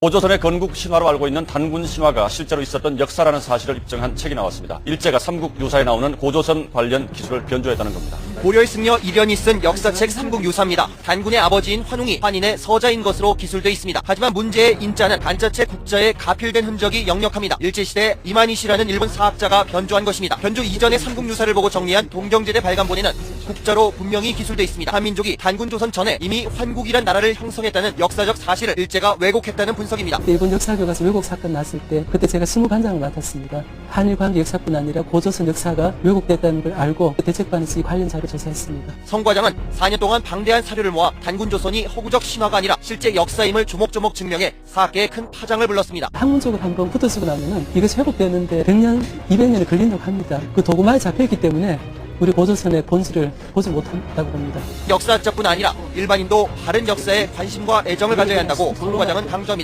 고조선의 건국 신화로 알고 있는 단군 신화가 실제로 있었던 역사라는 사실을 입증한 책이 나왔습니다. 일제가 삼국유사에 나오는 고조선 관련 기술을 변조했다는 겁니다. 고려의 승려 이련이 쓴 역사책 삼국유사입니다. 단군의 아버지인 환웅이 환인의 서자인 것으로 기술돼 있습니다. 하지만 문제의 인자는 간자체 국자에 가필된 흔적이 역력합니다. 일제시대 이만희씨라는 일본 사학자가 변조한 것입니다. 변조 이전의 삼국유사를 보고 정리한 동경제대 발간본에는 국자로 분명히 기술돼 있습니다. 한민족이 단군 조선 전에 이미 환국이란 나라를 형성했다는 역사적 사실을 일제가 왜곡했다는 분석입니다. 일본 역사교과서 왜곡 사건 났을 때 그때 제가 실무반장을 맡았습니다. 한일 관계 역사뿐 아니라 고조선 역사가 왜곡됐다는 걸 알고 대책반에서 이 관련 자료 조사했습니다. 성 과장은 4년 동안 방대한 사료를 모아 단군 조선이 허구적 신화가 아니라 실제 역사임을 조목조목 증명해 사학계에 큰 파장을 불렀습니다. 학문적으로 한번 붙어쓰고 나면은 이것이 회복되는데 100년, 200년이 걸린다고 합니다. 그 도구만이 잡혀있기 때문에 우리 고조선의 본질을 보지 못한다고 봅니다. 역사학자뿐 아니라 일반인도 바른 역사에 관심과 애정을 가져야 한다고 성 과장은 강조합니다.